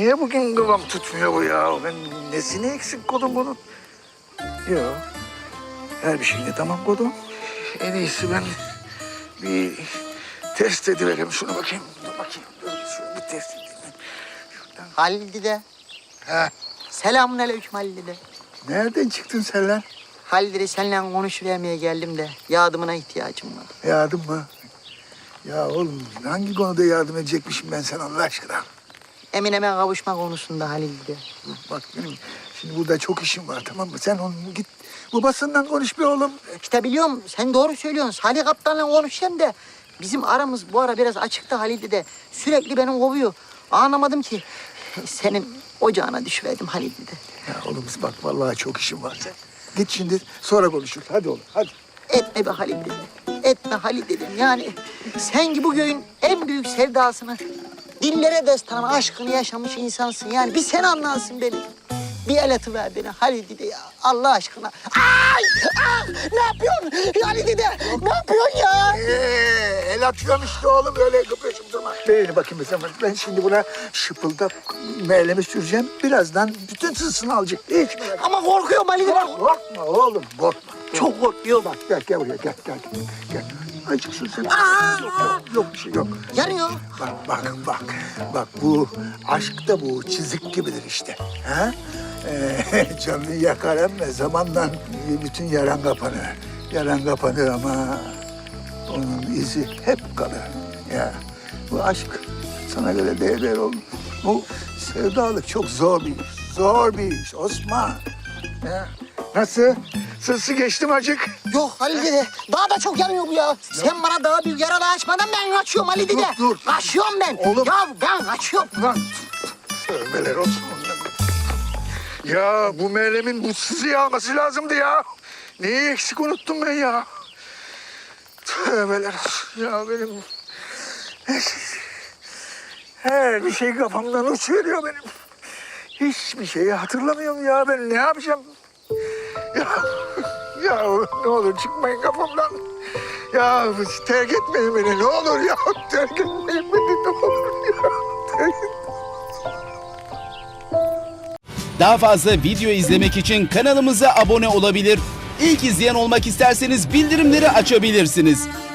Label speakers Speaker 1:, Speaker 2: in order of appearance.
Speaker 1: Niye bugün kıvam tutmuyor bu ya? Ben nesini eksik kodum bunun? Yok. Her bir şeyini tamam kodum. En iyisi ben bir test ediverim. Şunu bakayım. Dur bakayım. Dur, şunu bir test edeyim. Şuradan.
Speaker 2: Halil dede.
Speaker 1: Ha.
Speaker 2: Selamünaleyküm Halil dede.
Speaker 1: Nereden çıktın sen lan?
Speaker 2: Halil dede seninle konuşuvermeye geldim de yardımına ihtiyacım var.
Speaker 1: Yardım mı? Ya oğlum hangi konuda yardım edecekmişim ben sana Allah aşkına?
Speaker 2: Emine'me kavuşma konusunda Halil dede.
Speaker 1: Bak benim şimdi burada çok işim var tamam mı? Sen onu git babasından konuş bir oğlum.
Speaker 2: İşte biliyorum sen doğru söylüyorsun. Salih Kaptan'la konuşacağım da bizim aramız bu ara biraz açıkta Halil dede. Sürekli beni kovuyor. Anlamadım ki. Senin ocağına düşüverdim Halil dede.
Speaker 1: Ya oğlum bak vallahi çok işim var. Sen git şimdi sonra konuşuruz. Hadi oğlum hadi.
Speaker 2: Etme be Halil dedim. Etme Halil dedim. Yani sen ki bu köyün en büyük sevdasını, dillere destan aşkını yaşamış insansın. Yani bir sen anlarsın beni. Bir el atıver beni Halil dede ya. Allah aşkına. Ay! Ah! Ne yapıyorsun Halil dede? Ne yapıyorsun ya?
Speaker 1: El atıyorum işte oğlum öyle kıpırışıp durma. Beğeni bakayım mesela ben şimdi buna şıpıldak meylemi süreceğim. Birazdan bütün sısını alacak. Hiç merak
Speaker 2: Ama korkuyorum Halil dede.
Speaker 1: Korkma oğlum korkma.
Speaker 2: Çok korkuyorum.
Speaker 1: Bak gel buraya gel. Acıksın sen. Yok bir şey yok.
Speaker 2: Yanıyor.
Speaker 1: Bak bu aşk da bu çizik gibidir işte. Ha? Canını yakar ama zamanla bütün yaran kapanır. Yaran kapanır ama onun izi hep kalır. Ya bu aşk sana göre değer oğlum. Bu sevdalık çok zor bir iş. Zor bir iş Osman. Ya. Nasıl? Sırsı geçtim acık.
Speaker 2: Yok Halil dede. Daha da çok yanıyor bu ya. Sen bana daha büyük yaralı açmadan ben kaçıyorum Halil dede.
Speaker 1: Dur.
Speaker 2: Kaçıyorum ben.
Speaker 1: Oğlum.
Speaker 2: Ya ben kaçıyorum.
Speaker 1: Lan tövbeler olsun. Ya bu meylemin bu sızı yağması lazımdı ya. Neyi eksik unuttum ben ya. Tövbeler olsun ya benim. Her bir şey kafamdan uçuveriyor benim. Hiçbir şeyi hatırlamıyorum ya ben ne yapacağım? Ya ne olur çıkmayın kafamdan. Ya terk etmeyin beni ne olur ya. Terk etmeyin beni ne olur ya. Terk etmeyin.
Speaker 3: Daha fazla video izlemek için kanalımıza abone olabilir. İlk izleyen olmak isterseniz bildirimleri açabilirsiniz.